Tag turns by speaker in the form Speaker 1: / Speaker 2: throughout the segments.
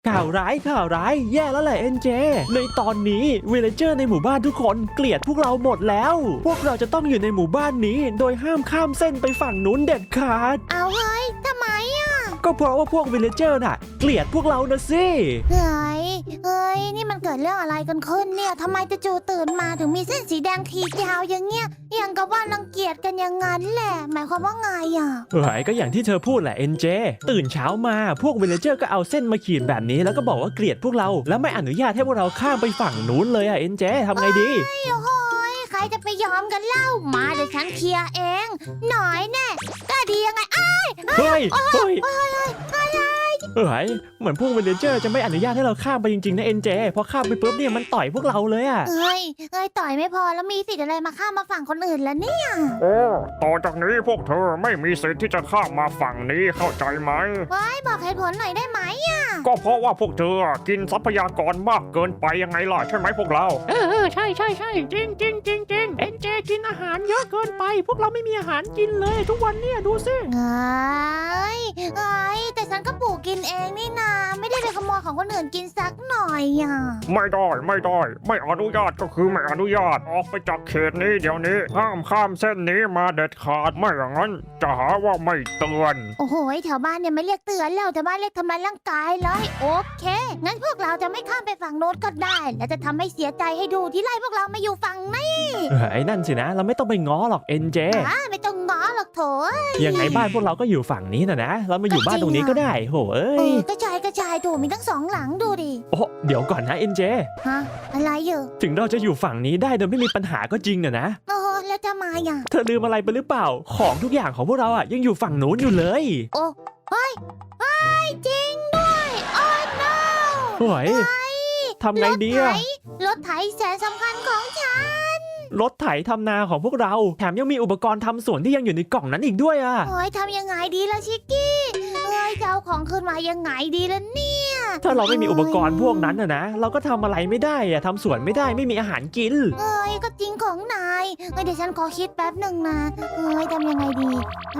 Speaker 1: ข่าวร้ายแย่แล้วแหละเอ็นเจในตอนนี้วิลเลเจอร์ในหมู่บ้านทุกคนเกลียดพวกเราหมดแล้วพวกเราจะต้องอยู่ในหมู่บ้านนี้โดยห้ามข้ามเส้นไปฝั่งนู้นเด็ดขาด
Speaker 2: เอาเฮ้ยทำไมอ่ะ
Speaker 1: ก็เพราะว่าพวกวิลเลเจอร์น่ะเกลียดพวกเรานะสิ
Speaker 2: เฮ้ยนี่มันเกิดเรื่องอะไรกันขึ้นเนี่ยทำไมจู่ๆตื่นมาถึงมีเส้นสีแดงขีดยาวอย่างเงี้ยอย่างกับว่ารังเกียจกันอย่างนั้นแหละหมายความว่าไงอ่ะ
Speaker 1: ก็อย่างที่เธอพูดแหละเอ็นเจตื่นเช้ามาพวกวิลเลเจอร์ก็เอาเส้นมาขีดแบบนี้แล้วก็บอกว่าเกลียดพวกเราแล้วไม่อนุญาตให้พวกเราข้ามไปฝั่งนู้นเลยอ่ะเอ็นเจทำไงดี
Speaker 2: โอ้ยใครจะไปยอมกันเล่ามาเดี๋ยวฉันเคลียร์เองหน่อยแน่ก็ดียังไง
Speaker 1: เฮ้ยเหมือนพวกวิลเลเจอร์จะไม่อนุญาตให้เราข้ามไปจริงๆนะเอ็นเจพอข้ามไปปุ๊บเนี่ยมันต่อยพวกเราเลยอ่ะ
Speaker 2: เฮ้ยต่อยไม่พอแล้วมีสิทธิ์อะไรมาข้ามมาฝั่งคนอื่นแล้วเนี่ย
Speaker 3: ต่อจากนี้พวกเธอไม่มีสิทธิ์ที่จะข้ามมาฝั่งนี้เข้าใจไหม
Speaker 2: บอกเหตุผลหน่อยได้ไหมอ่ะ
Speaker 3: ก็เพราะว่าพวกเธอกินทรัพยากรมากเกินไปยังไงล่ะใช่ไหมพวกเรา
Speaker 1: ใช่จริงเอ็นเจกินอาหารเยอะเกินไปพวกเราไม่มีอาหารกินเลยทุกวันเนี่ยดูสิ
Speaker 2: แต่ฉันก็ปลูกกินเองนี่นาไม่ได้ไปขโมยของคนอื่นกินสักหน่อยอ่ะ
Speaker 3: ไม่ได้ไม่อนุญาตก็คือไม่อนุญาตออกไปจากเขตนี้เดี๋ยวนี้ห้ามข้ามเส้นนี้มาเด็ดขาดไม่อย่างนั้นจะหาว่าไม่เตือน
Speaker 2: โอ้โหแถวบ้านเนี่ยไม่เรียกเตือนแล้วแถวบ้านเรียกทำลายร่างกายเลยโอเคงั้นพวกเราจะไม่ข้ามไปฝั่งโน้นก็ได้และจะทำให้เสียใจให้ดูที่ไล่พวกเรามาอยู่ฝั่งนี้
Speaker 1: นั่นสินะเราไม่ต้องไปง้อหรอกเอ็นเจ
Speaker 2: ไม่ต้องง้อหรอกโถ
Speaker 1: ยังไงบ้านพวกเราก็อยู่ฝั่งนี้นะเรามาอยู่บ้านตรงนี้ก็ได้โห
Speaker 2: กระจายดูมีทั้งสองหลังดูดิ
Speaker 1: โอ้เดี๋ยวก่อนนะเอ็นเจ
Speaker 2: อะไรอยู่
Speaker 1: ถึงเราจะอยู่ฝั่งนี้ได้โดยไม่มีปัญหาก็จริงนะ
Speaker 2: แล้วจะมาอย่าง
Speaker 1: เธอลืมอะไรไปหรือเปล่าของทุกอย่างของพวกเราอ่ะยังอยู่ฝั่งนู้นอยู่เลย
Speaker 2: เฮ้ยจริงด้วยโอ้ no
Speaker 1: ทำไงดีอะ
Speaker 2: รถไถแสนสำคัญของฉัน
Speaker 1: รถไถทำนาของพวกเราแถมยังมีอุปกรณ์ทำสวนที่ยังอยู่ในกล่องนั้นอีกด้วยอ่ะ
Speaker 2: ทำยังไงดีล่ะชิกกี้จะเอาของขึ้นมายังไงดีล่ะเนี่ย
Speaker 1: ถ้าเราไม่มีอุปกรณ์พวกนั้นนะเราก็ทำอะไรไม่ได้อะทำสวนไม่ได้ไม่มีอาหารกิน
Speaker 2: ก็จริงของนายเดี๋ยวฉันขอคิดแป๊บหนึ่งนะทำยังไงดี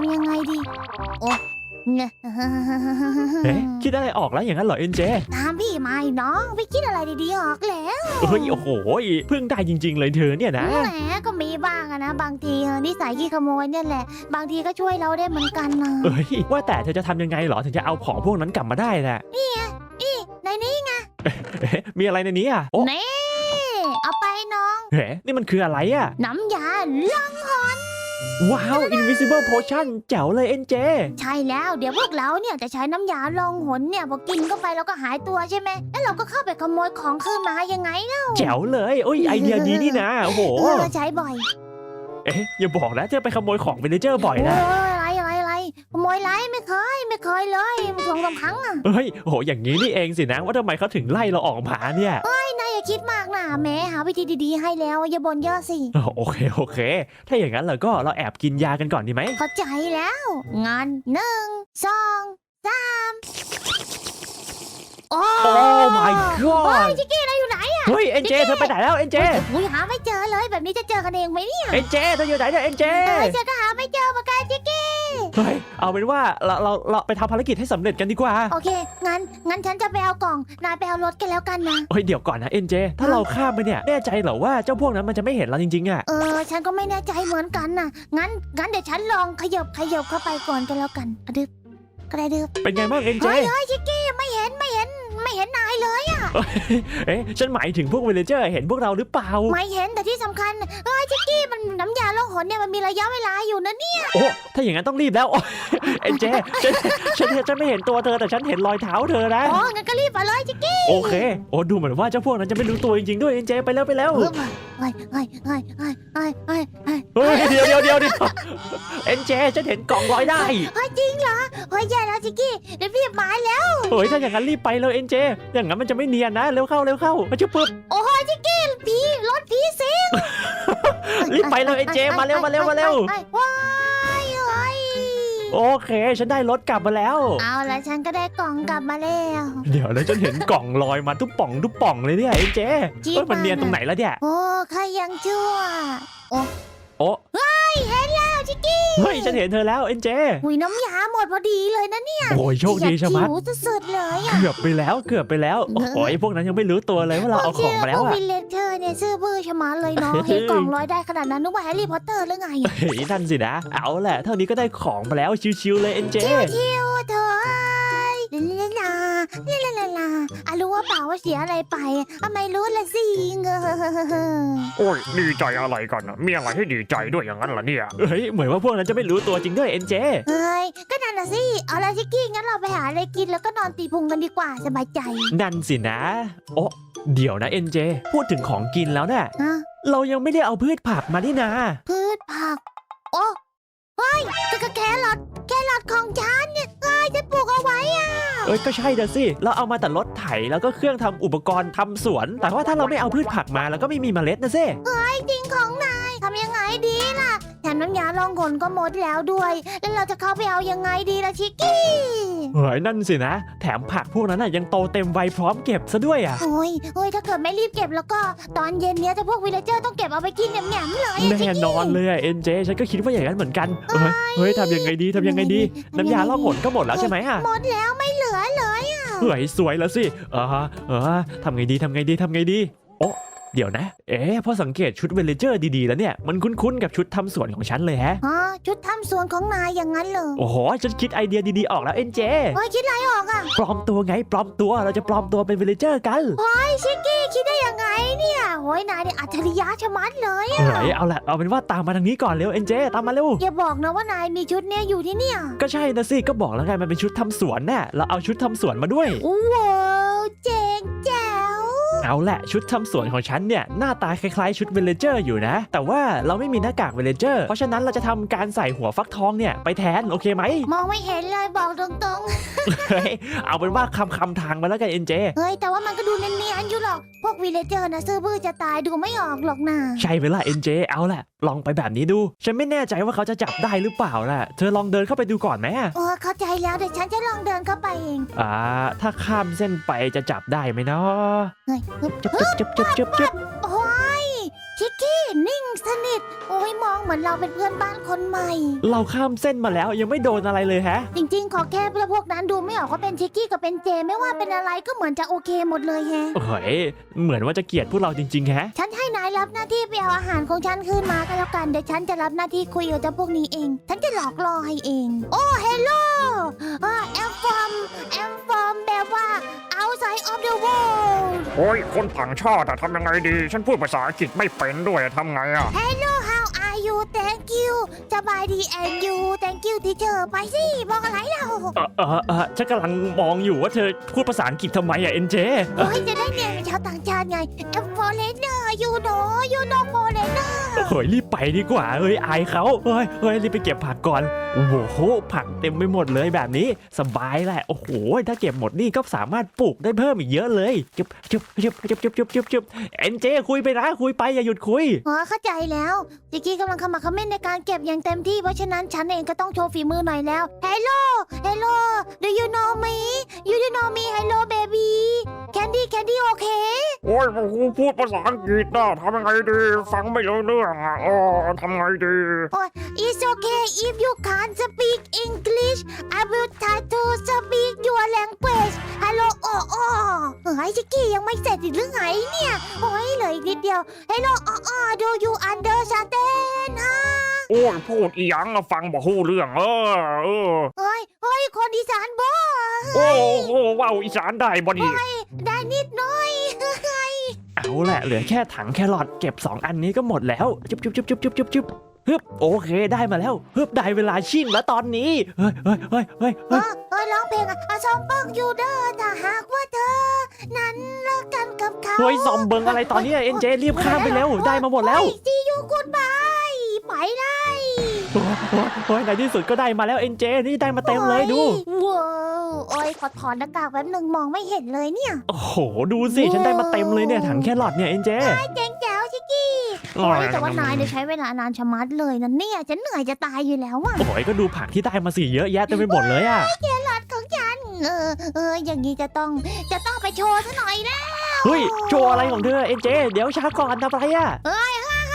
Speaker 1: คิดอะไรออกแล้วอย่างนั้นเหรอเอ็นเจ
Speaker 2: ตามพี่มาน้องไปคิดอะไรดีๆออกแล้ว
Speaker 1: โอ้โหเพิ่งได้จริงๆเลยเธอเนี่ยนะ
Speaker 2: แหมก็มีบ้างนะบางทีนิสัยขี้ขโมยเนี่ยแหละบางทีก็ช่วยเราได้เหมือนกันนะ
Speaker 1: ว่าแต่เธอจะทำยังไงเหรอถึงจะเอาของพวกนั้นกลับมาได้น่ะ
Speaker 2: นี่ในนี้ไง
Speaker 1: มีอะไรในนี้อ่ะ
Speaker 2: นี่เอาไปน้อง
Speaker 1: นี่มันคืออะไรอ่ะ
Speaker 2: น้ำยาล่องหน
Speaker 1: ว้าว Invisible Potion แจ๋วเลยเอ็นเจ
Speaker 2: ใช่แล้วเดี๋ยวพวกเราเนี่ยจะใช้น้ำยาลองหนเนี่ยพอกินเข้าไปแล้วก็หายตัวใช่ไหมแล้วเราก็เข้าไปขโมยของคืนมายังไงเล่า
Speaker 1: แจ๋วเลยไอเดียดีนี่นะโอ้โห
Speaker 2: ใช้บ่อย
Speaker 1: อย่าบอกนะเธอไปขโมยของวิลเลเจอร์บ่อยนะ
Speaker 2: อะไรขโมยไรไม่เคยเลย2-3 ครั้งอ่ะ
Speaker 1: อย่างนี้นี่เองสินะว่าทำไมเขาถึงไล่เราออกมาเนี่ย
Speaker 2: นายอย่าคิดมากนะแม่หาวิธีดีๆให้แล้วอย่าบ่นเยอะสิ
Speaker 1: โอเคถ้าอย่างนั้นเราแอบกินยากันก่อนดีไหม
Speaker 2: เข้าใจแล้วงั้น1 2 3โอ้
Speaker 1: my god
Speaker 2: ชิคกี้นายอยู่ไหนอ่ะ
Speaker 1: เอ็นเจเธอไปไหนแล้วเอ็นเจ
Speaker 2: หาไม่เจอเลยแบบนี้จะเจอกันเองไหมเนี่ย
Speaker 1: เอ็นเจเธออยู่ไหนเนี่ยเอ็นเจ
Speaker 2: เจอก็หาไม่เจอเหมือนกันชิคกี้
Speaker 1: เอาเป็นว่าเราไปทำภารกิจให้สำเร็จกันดีกว่า
Speaker 2: โอเคงั้นฉันจะไปเอากล่องนายไปเอารถกันแล้วกันนะ
Speaker 1: เดี๋ยวก่อนนะเอ็นเจถ้าเราข้ามไปเนี่ยแน่ใจเหรอว่าเจ้าพวกนั้นมันจะไม่เห็นเราจริงๆอ่ะ
Speaker 2: ฉันก็ไม่แน่ใจเหมือนกันน่ะงั้นเดี๋ยวฉันลองขยับเข้าไปก่อนกันแล้วกันกระดึบ
Speaker 1: เป็นไงบ้างเอ็นเจ
Speaker 2: ชิคกี้ไม่เห็นนายเลยอ่ะ
Speaker 1: ฉันหมายถึงพวกวิลเลเจอร์เห็นพวกเราหรือเปล่า
Speaker 2: ไม่เห็นแต่ที่สำคัญชิคกี้มันน้ำยาล่องหนเนี่ยมันมีระยะเวลาอยู่นะเนี่ย
Speaker 1: ถ้าอย่างนั้นต้องรีบแล้วเอ็นเจฉันไม่เห็นตัวเธอแต่ฉันเห็นรอยเท้าเธอนะ
Speaker 2: งั้นก็รีบไปเลยชิคกี้
Speaker 1: โอเคดูเหมือนว่าเจ้าพวกนั้นจะไม่รู้ตัวจริงๆด้วยเอ็นเจไปแล้วเดี๋ยวเอ็นเจฉันเห็นกล่องลอยได้
Speaker 2: จริงเหรอแย่แล้วชิคกี้เดี๋ยวพี่มาแล้ว
Speaker 1: ถ้าอย่างนั้นรีบไปเลยเอ็นเจอย่างนั้นมันจะไม่เนียนนะเร็วเข้ามาจุ๊บปึ๊บ
Speaker 2: ชิคกี้รถผีสิง
Speaker 1: รีบไปเลยเอ็นเจมาเร็วโอเคฉันได้รถกลับมาแล้ว
Speaker 2: เอาละฉันก็ได้กล่องกลับมาแล้ว
Speaker 1: เดี๋ยวแล้วฉันเห็นกล่องลอยมาทุกป่องเลยเนี่ยเอ็นเจมันเนียนตรงไหนแล้วเนี่ย
Speaker 2: ใครยังชั่ว
Speaker 1: เห็น
Speaker 2: แล้วชิชิกกี้
Speaker 1: เฮ้ยฉันเห็นเธอแล้วเอ็นเจ
Speaker 2: อุ้ยน้ำยาหมดพอดีเลยนะเนี่ย
Speaker 1: โอ้ยโชคดีชะมัด
Speaker 2: หิวสุดๆเลยอ่ะ
Speaker 1: เกือบไปแล้วโอ้ยพวกนั้นยังไม่รู้ตัวเลยว่าเราเอาของมาแล้ว
Speaker 2: พวก
Speaker 1: อะ
Speaker 2: วิลเลจเจอร์เนี่ยซื่อบื้อชะมัดเลยเนาะ เห็นกล่องลอยได้ขนาดนั้นนึกว่าแฮร์รี่พอตเตอร์หรือไง
Speaker 1: เฮ้ยนั่นสินะเอาแหละเท่านี้ก็ได้ของมาแล้วชิวๆเลยเอ็นเจ
Speaker 2: ชิวๆเธอลารู้ว่าเปล่าว่าเสียอะไรไปไม่รู้ละสิเงอ
Speaker 3: โอ้ยดีใจอะไรกันนะมีอะไรให้ดีใจด้วยอย่างนั้นล่ะเนี่ย
Speaker 1: เฮ้ยเหมือนว่าพวกนั้นจะไม่รู้ตัวจริงด้วยเอ็นเจ
Speaker 2: เฮ้ยก็นั่นน่ะสิเอาละชิกกี้งั้นเราไปหาอะไรกินแล้วก็นอนตีพุงกันดีกว่าสบายใจ
Speaker 1: นั่นสินะโอ้เดี๋ยวนะเอ็นเจพูดถึงของกินแล้วเนี่ย
Speaker 2: ฮะ
Speaker 1: เรายังไม่ได้เอาพืชผักมานี่นา
Speaker 2: พืชผักโอ้เฮ้ยก็แครอทของฉันเนี่ยฉันปลูกเอาไว้อ่ะ
Speaker 1: เอ้ยก็ใช่เด้อสิเราเอามาแต่รถไถแล้วก็เครื่องทำอุปกรณ์ทำสวน แต่ว่าถ้าเราไม่เอาพืชผักมาแล้วก็ไม่มีเมล็ดนะสิ
Speaker 2: จริงของนายทำยังไงดีล่ะแถมน้ำยาลองขนก็หมดแล้วด้วย แล้วเราจะเข้าไปเอายังไงดีล่ะชิกกี้
Speaker 1: เฮ้ยนั่นสินะ แถมผักพวกนั้นน่ะยังโตเต็มวัยพร้อมเก็บซะด้วยอ่ะ
Speaker 2: โอ้ยถ้าเกิดไม่รีบเก็บแล้วก็ตอนเย็นเนี้ยจะพวกวิลเลจเจอร์ต้องเก็บเอาไปกินแหนมๆเลยอะ
Speaker 1: แน่นอนเลยอะเอ็นเจฉันก็คิดว่าอย่างนั้นเหมือนกันเฮ้ยทำยังไงดีน้ำยาล่องหนก็หมดแล้วใช่ไหมอ่ะ
Speaker 2: หมดแล้วไม่เหลือเลยอะ
Speaker 1: เฮ้ยสวยแล้วสิทำไงดีโอ้เดี๋ยวนะพอสังเกตชุดเวลเลเจอร์ดีๆแล้วเนี่ยมันคุ้นๆกับชุดทำสวนของฉันเลยฮะ
Speaker 2: ชุดทำสวนของนายอย่างนั้นเหรอ
Speaker 1: โอ้โหฉันคิดไอเดียดีๆออกแล้วเอ็นเจ
Speaker 2: โอ้ยคิดอะไรออกอะ
Speaker 1: ปลอมตัวเราจะปลอมตัวเป็นวิลเลเจอร์กัน
Speaker 2: ชิกกี้คิดได้ยังไงเนี่ยโอ้ยนายเนี่ยอัจฉริยะชะมัดเลยอะ
Speaker 1: เฮ้ยเอาเป็นว่าตามมาทางนี้ก่อนเร็วเอ็นเจตามมาเร็ว
Speaker 2: อย่าบอกนะว่านายมีชุดเนี้ยอยู่ที่เนี่ย
Speaker 1: ก็ใช่นะสิก็บอกแล้วไงมันเป็นชุดทำสวนน่ะเราเอาชุดทำสวนมาด้วย
Speaker 2: ว้าวเจ๋งแจ๋ว
Speaker 1: เอาแหละชุดทำสวนของฉันเนี่ยหน้าตาคล้ายๆชุดวิลเลเจอร์อยู่นะ แต่ว่าเราไม่มีหน้ากากวิลเลเจอร์เพราะฉะนั้นเราจะทำการใส่หัวฟักทองเนี่ยไปแทนโอเคไหม
Speaker 2: มองไม่เห็นเลยบอกตรง
Speaker 1: เฮ้ยเอาเป็นว่าคำทางมาแล้วกันเอ็นเจ
Speaker 2: ๆเฮ้ยแต่ว่ามันก็ดูเนียนๆอยู่หรอกพวกวิลเลเจอร์นะซื่อบื้อจะตายดูไม่ออกหรอกนะ
Speaker 1: ใช่เวลาเอ็นเจเอาแหละลองไปแบบนี้ดู ฉันไม่แน่ใจว่าเขาจะจับได้หรือเปล่าล่ะเธอลองเดินเข้าไปดูก่อนไหม
Speaker 2: เข้าใจแล้วเดี๋ยวฉันจะลองเดินเข้าไปเอง
Speaker 1: ถ้าข้ามเส้นไปจะจับได้ไหมเนาะ
Speaker 2: เฮ้ย
Speaker 1: จึ๊บ
Speaker 2: โอ้ยชิกกี้นิ่งสนิทโอ้ยมองเหมือนเราเป็นเพื่อนบ้านคนใหม่
Speaker 1: เราข้ามเส้นมาแล้วยังไม่โดนอะไรเลยฮะ
Speaker 2: จริงๆขอแค่พวกนั้นดูไม่ออกว่าเป็นชิกกี้กับเป็นเจไม่ว่าเป็นอะไรก็เหมือนจะโอเคหมดเลยแฮะ
Speaker 1: เฮ้ยเหมือนว่าจะเกลียดพวกเราจริงๆฮะ
Speaker 2: ฉันให้นายรับหน้าที่ไปเอาอาหารของฉันคืนมาก็แล้วกันเดี๋ยวฉันจะรับหน้าที่คุยกับเจ้าพวกนี้เอง ฉันจะหลอกล่อให้เอง โอ้เฮลโลแอมฟอมแบบว่า outside of the world
Speaker 3: โอ้ยคนต่างชาติอะทำยังไงดี ฉันพูดภาษาอังกฤษไม่เป็นด้วยทำไงอะ
Speaker 2: Hello how are you thank you สบายดี and you thank you teacher ไปสิบอกอะไรเรา
Speaker 1: ฉันกำลังมองอยู่ว่าเธอพูดภาษาอังกฤษทำไมอะเอ็นเจ
Speaker 2: โอ้ยจะได้เรียนเป็นชาวต่างชาติไง I'm foreigner you know foreigner
Speaker 1: เฮ้ยรีบไปดีกว่าเฮ้ยอายเขาเฮ้ยรีบไปเก็บผักก่อนโอ้โหผักเต็มไปหมดเลยแบบนี้สบายแหละโอ้โหถ้าเก็บหมดนี่ก็สามารถปลูกได้เพิ่มอีกเยอะเลยจุ๊บเอ็นเจคุยไปนะคุยไปอย่าหยุดคุย
Speaker 2: เข้าใจแล้วจิกกี้กำลังขมักเขม้นในการเก็บอย่างเต็มที่เพราะฉะนั้นฉันเองก็ต้องโชว์ฝีมือหน่อยแล้ว Hello do you know me hello baby candy okay
Speaker 3: โอ้ยกูพูดภาษาอังกฤษนะทำยังไงดี ฟังไม่รู้เรื่องอะทำไงดี
Speaker 2: It's okay if you can't speak English I will try to speak your language Hello เฮ้ยจิกกี้ยังไม่เสร็จอีกหรือไงเนี่ยโอ้ยเหลืออีกนิดเดียว Hello do you understand ฮะ
Speaker 3: โอ้ยพูดอีหยังอะฟังบ่ฮู้เรื่อง
Speaker 2: เฮ้ยคนอีสานบ่
Speaker 3: โอ้โหว้าวอีสานได้บ่ดี
Speaker 2: ได้นิดหน่อย
Speaker 1: เอาแหละเหลือแค่ถังแครอทเก็บ2อันนี้ก็หมดแล้วจุ๊บฮึบโอเคได้มาแล้วฮึบได้เวลาชิมแล้วตอนนี้เฮ้ย
Speaker 2: ร้องเพลงซอมบ้องอยู่เด้อถ้าหากว่าเธอนั้นเลิกกันกับเขา
Speaker 1: เฮ้ยซอมเบิงอะไรตอนนี้เอ็นเจรีบข้ามไปเร็วได้มาหมดแล้ว
Speaker 2: ซียูกูดบายไปเลย
Speaker 1: โอ้ยในที่สุดก็ได้มาแล้วเอ็นเจนี่ได้มาเต็มเลยดู
Speaker 2: ว้าวโอ้ยขอถอนหน้ากากแป๊บหนึ่งมองไม่เห็นเลยเนี่ย
Speaker 1: โอ้โหดูสิฉันได้มาเต็มเลยเนี่ยถังแครอทเนี่ยเอ็นเจ
Speaker 2: เจ๋งแจ๋วชิกกี้โอ้ยแต่ว่านายเนี่ยใช้เวลานานชะมัดเลยนะเนี่ยฉันเหนื่อยจะตายอยู่แล้วอะ
Speaker 1: โอ้ยก็ดูผักที่ได้มาสิเยอะแยะเต็มไปหมดเลยอ่ะ
Speaker 2: หลอดของฉันอย่างนี้จะต้องไปโชว์ซะหน่อยแล้ว
Speaker 1: เฮ้ยโชว์อะไรของเธอเอ็นเจเดี๋ยวช้าก่อนทำอะไรอ่ะ
Speaker 2: พวก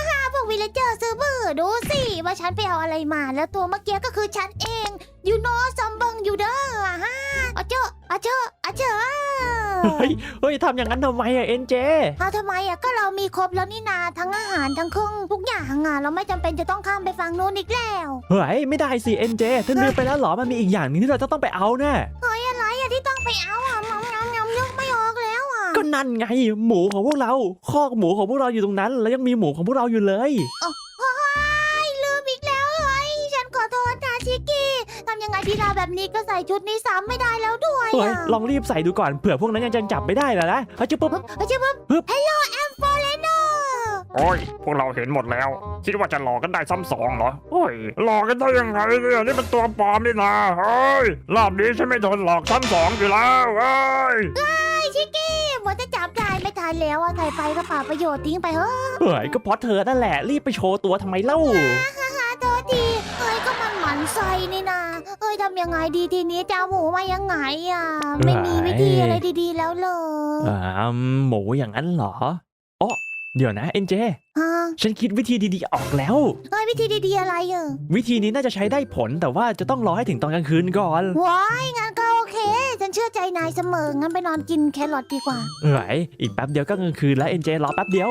Speaker 2: วิลเลเจอร์ซื้อบื้อดูสิว่าฉันไปเอาอะไรมาแล้วตัวเมื่อกี้ก็คือฉันเองยูโนซอมเบิงยูเด้อฮะอาเจอ
Speaker 1: เฮ้ยทำอย่างนั้นทำไมอะเอ็นเจ
Speaker 2: เอาทำไมอะก็เรามีครบแล้วนี่นาทั้งอาหารทั้งเครื่องทุกอย่างอะเราไม่จำเป็นจะต้องข้ามไปฝั่งนู้นอีกแล้ว
Speaker 1: เฮ้ยไม่ได้สิเอ็นเจเธอลืมไปแล้วเหรอมันมีอีกอย่างหนึงที่เราจะต้องไปเอาแน่
Speaker 2: อะไรอะที่ต้องไปเอาอะยำนึกไม่ออกแล้วอะ
Speaker 1: ก็นั่นไงหมูของพวกเราคอกหมูของพวกเราอยู่ตรงนั้น แล้วยังมีหมูของพวกเราอยู่เลย
Speaker 2: ลืมอีกแล้วฉันขอโทษนะชิกกี้ทำยังไงดีล่ะแบบนี้ก็ใส่ชุดนี้ซ้ำไม่ได้แล้วด้วย
Speaker 1: เฮ้ย
Speaker 2: อะ
Speaker 1: ลองรีบใส่ดูก่อนเผื่อพวกนั้นยังจับไม่ได้นะเฮ้ยจุ๊บปุ๊บ
Speaker 2: ปึ๊บ Hello I'm Foreigner
Speaker 3: โอ้ยพวกเราเห็นหมดแล้ว คิดว่าจะหลอกกันได้ซ้ำสองเหรอโอ้ยหลอกกันได้ยังไงเนี่ยนี่มันตัวปลอมนี่นะเฮ้ยรอบนี้ฉันไม่ทนหลอกซ้ำสองอยู่แล้วเฮ้ย
Speaker 2: ไอ้ชิกกี้หมดจะจับได้ไม่ทันแล้วอะใส่ไปก็เปล่าประโยชน์ทิ้งไปเฮ้ย
Speaker 1: เฮ้ยก็เพราะเธอนั่นแหละรีบไปโชว์ตัวทำไมเล่า
Speaker 2: โทษทีก็มันหมันไส้นี่นะทำยังไงดีทีนี้จะเอาหมูมายังไงอะไม่มีวิธีอะไรดีๆแล้วเลย
Speaker 1: หมูอย่างนั้นเหรออ๋อเดี๋ยวนะเอ็นเจ
Speaker 2: ฮะ
Speaker 1: ฉันคิดวิธีดีๆออกแล้ว
Speaker 2: วิธีดีๆอะไรอะ
Speaker 1: วิธีนี้น่าจะใช้ได้ผลแต่ว่าจะต้องรอให้ถึงตอนกลางคืนก่อน
Speaker 2: ว้ายงั้นก็โอเค ฉันเชื่อใจนายเสมองั้นไปนอนกินแครอทดีกว่า
Speaker 1: เฮ้ยอีกแป๊บเดียวก็กลางคืนแล้วเอ็นเจรอแป๊บเดียว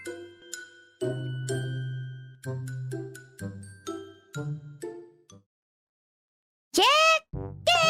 Speaker 2: เช็คกี้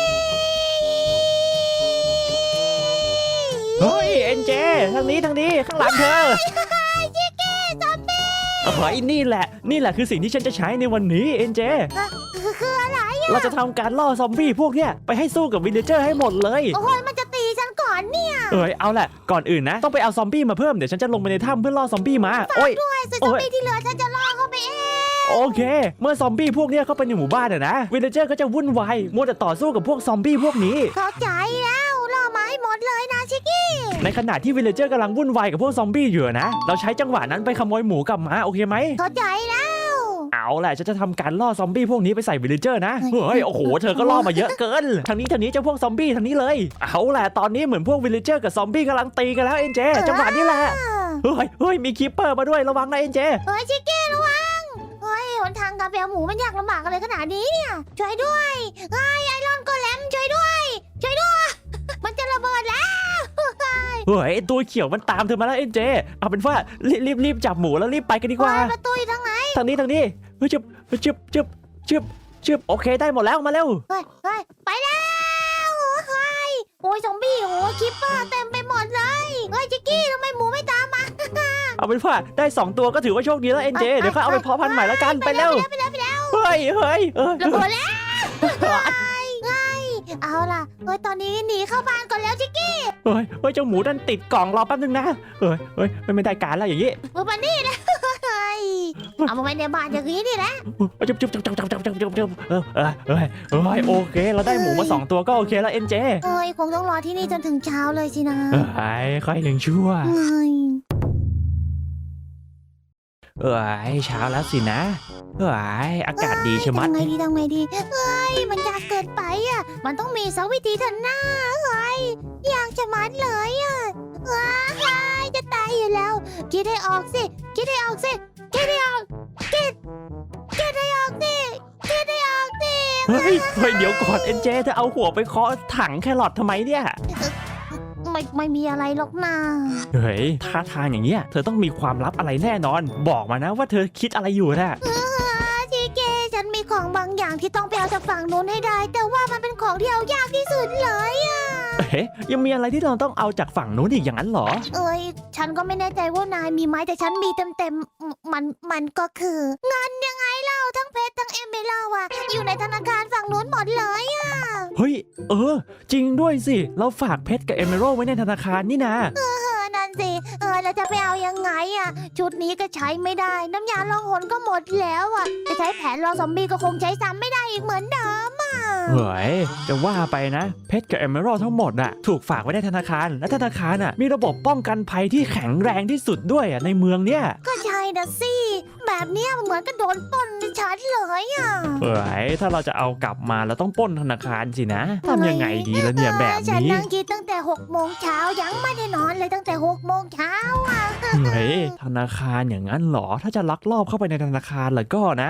Speaker 1: เฮ้ยเอ็นเจทางนี้ข้างหลังเธอ
Speaker 2: ชิกกี้ซอมบี้
Speaker 1: เฮ้ยนี่แหละคือสิ่งที่ฉันจะใช้ในวันนี้เอ็นเจ
Speaker 2: คืออะไร
Speaker 1: เราจะทำการล่อซอมบี้พวกเนี้ยไปให้สู้กับวิลเลเจอร์ให้หมดเลย
Speaker 2: โอ้ยมันจะตีฉันก่อนเนี่ย
Speaker 1: เอาแหละก่อนอื่นนะต้องไปเอาซอมบี้มาเพิ่มเดี๋ยวฉันจะลงไปในถ้ำเพื่อล่อซอมบี้มาโอ้ย
Speaker 2: ด้วยส่วนซอมบี้ที่เหลือฉันจะล่อเข้าไปเอง
Speaker 1: โอเค เมื่อซอมบี้พวกเนี้ยเข้าไปในหมู่บ้านนะวิลเลเจอร์ก็จะวุ่นวายมัวแต่ต่อสู้กับพวกซอมบี้พวกนี้
Speaker 2: เข้าใจแล้วล่อมาให้หมดเลยนะชิกกี้
Speaker 1: ในขณะที่วิลเลเจอร์กำลังวุ่นวายกับพวกซอมบี้อยู่นะเราใช้จังหวะนั้นไปขโมยหมูกลับมาโอเคไหม
Speaker 2: เข้าใจแล้ว
Speaker 1: เอาแหละฉันจะทำการล่อซอมบี้พวกนี้ไปใส่วิลเลเจอร์นะ
Speaker 2: เฮ้ย
Speaker 1: เฮ้ยโอ้โหเธอก็ล่อมาเยอะเกินทางนี้เจ้าพวกซอมบี้ทางนี้เลยเอาแหละตอนนี้เหมือนพวกวิลเลเจอร์กับซอมบี้กำลังตีกันแล้วเอ็นเจจังหวะนี้แหละเฮ้ยมีคีปเปอร์มาด้วยระวังนะเอ็นเจ
Speaker 2: ชิกกี้ระวังหนทางการไปเอาหมูมันยากลำบากอะไรขนาดนี้เนี่ยช่วยด้วยไอรอนโกเลมช่วยด้วย มันจะระเบิดแล้ว
Speaker 1: เฮ้ยตัวเขียวมันตามเธอมาแล้วเอ็นเจเอาเป็นว่ารีบจับหมูแล้วรีบไปกันดีกว่า
Speaker 2: ประตูอยู่ทางไหน
Speaker 1: ทางนี้เฮ้ยจึบโอเคได้หมดแล้วมาเร็ว
Speaker 2: ไปแล้วโอ้ยซอมบี้คิปเปอร์เต็มไปหมดเลยชิกกี้ทำไมหมูไม่ตามมา
Speaker 1: เอาเป็นว่าได้2ตัวก็ถือว่าโชคดีแล้วเอ็นเจเดี๋ยวค่อยเอาไปเพาะพันธุ์ใหม่แล้วกันไปเร็ว
Speaker 2: ไปแล้ว
Speaker 1: เฮ้ย
Speaker 2: ระเบิดแล้วเอาล่ะตอนนี้หนีเข้าบ้านก่อนแล้วชิกกี้
Speaker 1: เฮ้ยเจ้าหมูดันติดกล่องรอแป๊บนึงนะเฮ้ยไม่ได้การแล้วอย่างนี้
Speaker 2: มานี่นะเอามาไว้ในบ้านอย่างนี้นี่แหละ
Speaker 1: จุ๊บโอเคเราได้หมูมา2ตัวก็โอเคแล้วเอ็นเจ
Speaker 2: คงต้องรอที่นี่จนถึงเช้าเลยสินะ
Speaker 1: ค่อยยังชั่วเช้าแล้วสินะอากาศดีใช่ไหม
Speaker 2: ทำไงดีมันยากเกินไปอ่ะมันต้องมีสักวิธีเถอะนะยากจะมัดเลยอ่ะจะตายอยู่แล้วคิดให้ออกสิคิดให้ออกสิคิดให้ออกสิ
Speaker 1: เฮ้ยเดี๋ยวก่อนเอ็นเจเธอเอาหัวไปเคาะถังแครอททำไมเนี่ย
Speaker 2: ไม่มีอะไรหรอกนะ
Speaker 1: เฮ้ยท่าทางอย่างเงี้ยเธอต้องมีความลับอะไรแน่นอนบอกมานะว่าเธอคิดอะไรอยู่นะ
Speaker 2: ทีเกฉันมีของบางอย่างที่ต้องไปเอาจากฝั่งนู้นให้ได้ แต่ว่ามันเป็นของที่เอายากที่สุดเลยอ่ะ
Speaker 1: ยังมีอะไรที่เราต้องเอาจากฝั่งนู้นอีกอย่างนั้นเหรอ
Speaker 2: ฉันก็ไม่แน่ใจว่านายมีไหมแต่ฉันมีเต็มมันก็คือเงินยังไงเล่าทั้งเพชรทั้งเอมเบลอ่ะอยู่ในธนาคารฝั่งนู้นหมดเลยอ่ะ
Speaker 1: เฮ้ยจริงด้วยสิเราฝากเพชรกับเอเมอรัลไว้ในธนาคารนี่นะ
Speaker 2: นั่นสิเราจะไปเอายังไงอ่ะชุดนี้ก็ใช้ไม่ได้น้ำยาล่องหนก็หมดแล้วอ่ะจะใช้แผนรอซอมบี้ก็คงใช้ซ้ำไม่ได้อีกเหมือนเดิมอ่ะ
Speaker 1: เฮ้ยจะว่าไปนะเพชรกับเอเมอรัลทั้งหมดอะถูกฝากไว้ในธนาคารและธนาคารอะมีระบบป้องกันภัยที่แข็งแรงที่สุดด้วยอะในเมืองเนี้ย
Speaker 2: ก็ใช่นะสิแบแบบเนี้ยมันเหมือนกับโดนปล้นชัดเลยอ่ะ
Speaker 1: เฮ้ยถ้าเราจะเอากลับมาเราต้องปล้นธนาคารสินะทำยังไงดีล่ะเนี่ยแบบ
Speaker 2: ฉัน
Speaker 1: นี้
Speaker 2: นั่งคิดตั้งแต่6 โมงเช้ายังไม่ได้นอนเลยตั้งแต่6 โมงเช้าอ่ะ
Speaker 1: เฮ้ยธนาคารอย่างนั้นเหรอถ้าจะลักลอบเข้าไปในธนาคารแล้วก็นะ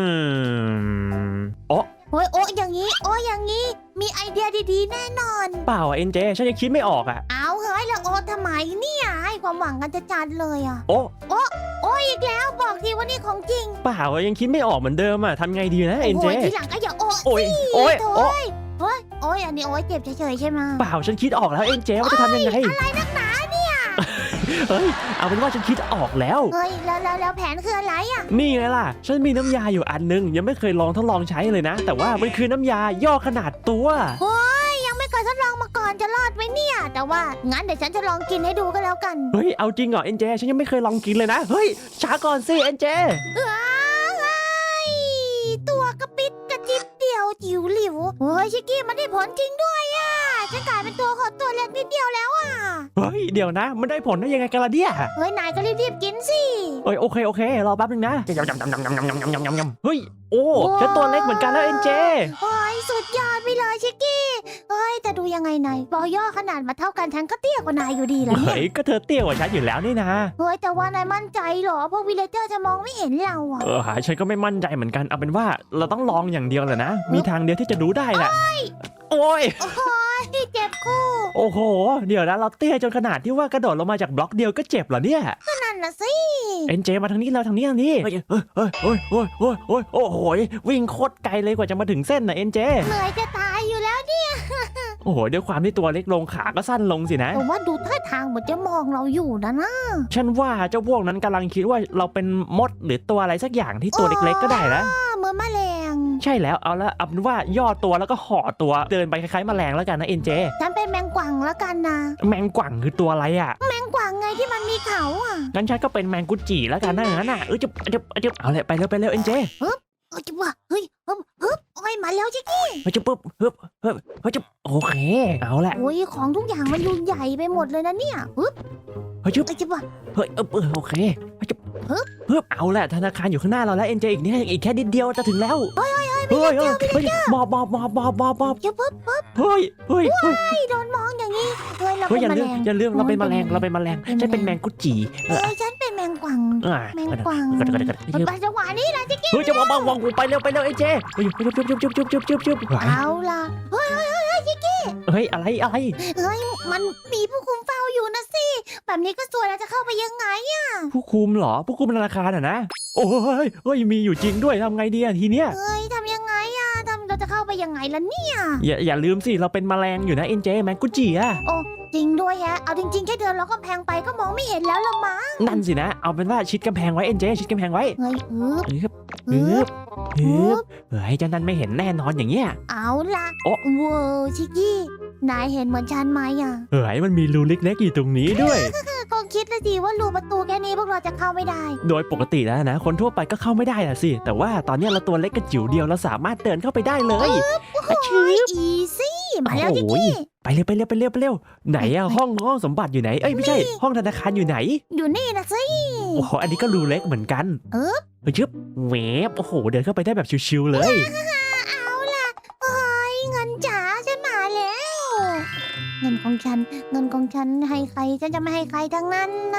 Speaker 1: อ๋อ
Speaker 2: โอ้ยโอ้อย่างนี้โอ้อย่างนี้มีไอเดียดีๆแน่นอน
Speaker 1: เปล่าเอ็นเจฉันยังคิดไม่ออกอ่ะ
Speaker 2: เอาเฮ้ยแล้วโอ้ทำไมเนี่ยให้ความหวังกันจะจัดเลยอ่ะ
Speaker 1: โอ้
Speaker 2: โอ้อีกแล้วบอกทีว่านี่ของจริง
Speaker 1: เปล่ายังคิดไม่ออกเหมือนเดิมอ่ะทำไงดีนะเอ็น
Speaker 2: โอ้
Speaker 1: เจ
Speaker 2: ยทีหลังก็อย่าโอ้
Speaker 1: โอ้ยโอ้ย
Speaker 2: โถ่
Speaker 1: โอ้
Speaker 2: โอ้ยโอ้ยอันนี้โอ้ยเจ็บเฉยๆใช่ไหม
Speaker 1: เปล่าฉันคิดออกแล้วเอ็นเจว่าจะทำยังไง
Speaker 2: อะไรนักหนาเนี่ย
Speaker 1: เฮ้ยเอาเป็นว่าฉันคิดออกแล้ว
Speaker 2: เฮ้ยแล้วแผนคืออะไรอ่ะ
Speaker 1: นี่ไงล่ะ ฉันมีน้ำยาอยู่อันนึงยังไม่เคยลองทดลองใช้เลยนะ แต่ว่ามันคือน้ำยาย่อขนาดตัว
Speaker 2: โอ้ยยังไม่เคยทดลองมาก่อนจะรอดไหมเนี่ย แต่ว่างั้นเดี๋ยวฉันจะลองกินให้ดูก็แล้วกัน
Speaker 1: เฮ้ยเอาจริงเหรอเอ็นเจฉันยังไม่เคยลองกินเลยนะเฮ้ยช้าก่อนสิเอ็นเจ
Speaker 2: ว้ายตัวกระปิดกระจิบเดียวจิ๋วหลิวโอ้ยชิกกี้มันได้ผลจริงด้วยอ่ะฉันกลายเป็นตัวขอตัวเล็กนิดเดียวแล้วอ่ะ
Speaker 1: เฮ้ยเดี๋ยวนะ มันได้ผลได้ยังไงกันล่ะเนี่ย
Speaker 2: เฮ้ยนายก็รีบๆกินสิ
Speaker 1: เฮ้ยโอเครอแป๊บนึงนะเฮ้ยโอ้ฉันตัวเล็กเหมือนกันแล้วเอ็นเจ
Speaker 2: โอ้ยสุดยอดไปเลยชิกกี้เฮ้ยแต่ดูยังไงนายบอย่อขนาดมาเท่ากันฉันก็เตี้ยกว่านายอยู่ดีแหล้วเนี่ย
Speaker 1: เฮ้ยก็เธอเตี้ยกว่าฉันอยู่แล้วนี่นะ
Speaker 2: เฮ้ยแต่ว่านายมั่นใจเหรอพวกวิลเลเจอร์จะมองไม่เห็นเราอ่ะ
Speaker 1: ฉันก็ไม่มั่นใจเหมือนกันเอาเป็นว่าเราต้องลองอย่างเดียวแหละนะมีทางเดียวที่จะรู้ได้แหละโอ้ย
Speaker 2: โอ้ยเจ็บคู่
Speaker 1: โอ้โหเดี๋ยวนะเราเตี้ยจนขนาดที่ว่ากระโดดลงมาจากบล็อกเดียวก็เจ็บเหรอเนี่ย
Speaker 2: นั่นน่ะสิ
Speaker 1: เอ็นเจมาทางนี้แล้วทางนี้เฮ้ยโอ้โหวิ่งโคตรไกลเลยกว่าจะมาถึงเส้นน่ะเอ็นเจ
Speaker 2: เหนื่อยจะตายอยู่แล้วเนี่ย
Speaker 1: โอ้โหด้วยความที่ตัวเล็กลงขาก็สั้นลงสินะ
Speaker 2: แต่ว่าดูท่าทางเหมือนจะมองเราอยู่นะ
Speaker 1: ฉันว่าเจ้าพวกนั้นกำลังคิดว่าเราเป็นมดหรือตัวอะไรสักอย่างที่ตัวเล็กๆก็ได้นะ
Speaker 2: เหมือนแมลง
Speaker 1: ใช่แล้วเอาละเอาเป็นว่าย่อตัวแล้วก็ห่อตัวเดินไปคล้ายๆแมลงแล้วกันนะเอ็นเจ
Speaker 2: ฉันเป็นแมงกวังแล้วกันนะ
Speaker 1: แมงกวังคือตัวอะไรอ่ะ
Speaker 2: แมงกวังไงที่มันมีเขาอ่ะ
Speaker 1: งั้นฉันก็เป็นแมงกุจิแล้วกันนะงั้นน่ะจะเอาเลยไปเร็วเอ็นเจ
Speaker 2: เอ้ยจะว่าเฮ้ยฮึบโอ้ยมาแล้วจิกกี้
Speaker 1: จะปุ๊บจะโอเคเอาแหละ
Speaker 2: โอ้ยของทุกอย่างมันดูใหญ่ไปหมดเลยนะเนี่ยฮึบ
Speaker 1: เฮ้ย
Speaker 2: เอ้ยจะว่า
Speaker 1: เฮ้ยโอเคฮึบเอาแหละธนาคารอยู่ข้างหน้าเราแล้วเอ็นเจอีกนิดอีกแค่นิดเดียวจะถึงแล้วเฮ้ยหมอบ
Speaker 2: จะปุ๊บ
Speaker 1: เฮ้ย
Speaker 2: ไม่โดนมองอย่างนี้เฮ้ยเรา
Speaker 1: เฮ้ย
Speaker 2: เป็น
Speaker 1: อย่า
Speaker 2: แมลง
Speaker 1: ลืมเราเป็นแมลงฉันเป็นแมงกุจิ
Speaker 2: เฮ้ยฉันเป็นแมงกวังแมงกวัง
Speaker 1: ก็
Speaker 2: มันไปจังหวะนี้นะจิกกี้
Speaker 1: เฮ้ยจะวางไปเร็วเอ็นเจเฮ้ยจุ๊บ
Speaker 2: เอาล่ะเฮ้ยจิกกี้
Speaker 1: เฮ้ยอะไร
Speaker 2: เฮ้ยมันมีผู้คุมเฝ้าอยู่นะสิแบบนี้ก็สวยแล้วจะเข้าไปยังไงอะ
Speaker 1: ผู้คุมเหรอผู้คุมธนาคารนะโอ้ยมีอยู่จริงด้วยทำไงดีทีเนี้ย
Speaker 2: เฮ้ยทำยังไงอะเราจะเข้าไปยังไงล่ะเนี่ย
Speaker 1: อย่าลืมสิเราเป็นแมลงอยู่นะเอ็นเจแมงกุจิอะ
Speaker 2: โอ้จริงด้วยฮะเอาจริงๆแค่เดินแล้วก็แพงไปก็มองไม่เห็นแล้วละมั้ง
Speaker 1: นั่นสินะเอาเป็นว่าชิดกำแพงไว้เอ็นเจชิดกำแพงไว้
Speaker 2: เฮ้ย
Speaker 1: ฮึบ
Speaker 2: ฮึบ
Speaker 1: เฮ้ยเจ้านั่นไม่เห็นแน่นอนอย่างเงี้ย
Speaker 2: เอาล่ะ
Speaker 1: โอ้
Speaker 2: ว้าวชิกกี้นายเห็นเหมือนฉันไหมอะ
Speaker 1: เฮ้ยมันมีรูเล็กๆอยู่ตรงนี้ด้วย
Speaker 2: คงคิดแล้วสิว่ารูประตูแค่นี้พวกเราจะเข้าไม่ได้
Speaker 1: โดยปกติแล้วนะคนทั่วไปก็เข้าไม่ได้นะสิแต่ว่าตอนนี้เราตัวเล็กกระจิ๋วเดียวเราสามารถเดินเข้าไปได้เลย
Speaker 2: โอ้ยอีซี่มาแล้วจิกกี้
Speaker 1: ไปเร็วไหนอะห้องสมบัติอยู่ไหนเอ้ยไม่ใช่ห้องธนาคารอยู่ไหน
Speaker 2: อยู่นี่นะสิ
Speaker 1: โอ้โหอันนี้ก็รูเล็กเหมือนกัน
Speaker 2: เออ
Speaker 1: ชึบแหวบโอ้โหเดินเข้าไปได้แบบชิวๆเลย
Speaker 2: เอาล่ะเฮ้ยเงินจ๋าฉันมาแล้ว เงินของฉันให้ใครฉันจะไม่ให้ใครทั้งนั้นเลย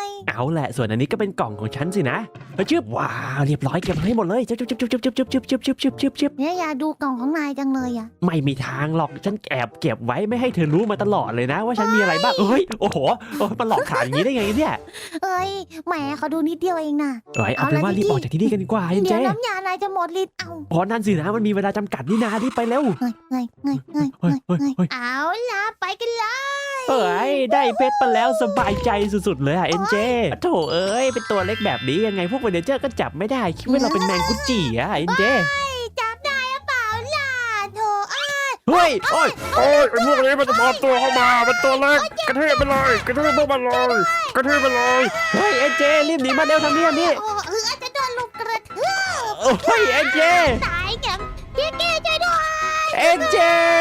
Speaker 1: เอาแหละส่วนอันนี้ก็เป็นกล่องของฉันสินะชึบว้าวเรียบร้อยเก็บให้หมดเลยชึบ
Speaker 2: เนี่ยอยากดูกล่องของนายจังเลยอ่ะ
Speaker 1: ไม่มีทางหรอกฉันแอบเก็บไว้ไม่ให้เธอรู้มาตลอดเลยนะ ว่าฉันมีอะไรบ้างเฮ้ยโอ้โหมันหลอกขายอย่างนี้ได้ไงเนี่ย
Speaker 2: เอ้ยแหมเขาดูนิดเดียวเองนะ
Speaker 1: เอ้ยเอาเป็นว่ารีบออกจากที่นี่กันดีกว่าเอ็นเจ
Speaker 2: เดี๋ยวน้ำยานายจะหมดฤทธิ์เอา
Speaker 1: เพราะนั่นสินะมันมีเวลาจำกัดนี่นารีบไปเร็ว
Speaker 2: เงยเอาล่ะไปกันเลย
Speaker 1: เอ้ยได้เพชรมาแล้วสบายใจสุดๆเลยอะเอ็นเจโถเอ้ยเป็นตัวเล็กแบบนี้ยังไงพวกเวเนเจอร์ก็จับไม่ได้คิดว่าเราเป็นแมงกุจิอะเอ็นเจ
Speaker 2: จับได้หรือเปล่าล่ะโถอ้าย
Speaker 1: เฮ้ยโอ้ย
Speaker 3: โอ้ยไอ้พวกนี้มันจะปลอมตัวเข้ามาเป็นตัวเล็กกระทืบไปเลยกระทืบพวกมันเลยกระทืบไปเลย
Speaker 1: เฮ้ยเอ็นเจรีบหนีมาเร็วทางนี้
Speaker 2: โอ้จะโดนลูกกระทืบ
Speaker 1: โอ้ยเอ็นเจ
Speaker 2: ตายแกพี่ช่วยด้วย
Speaker 1: เอ็นเจ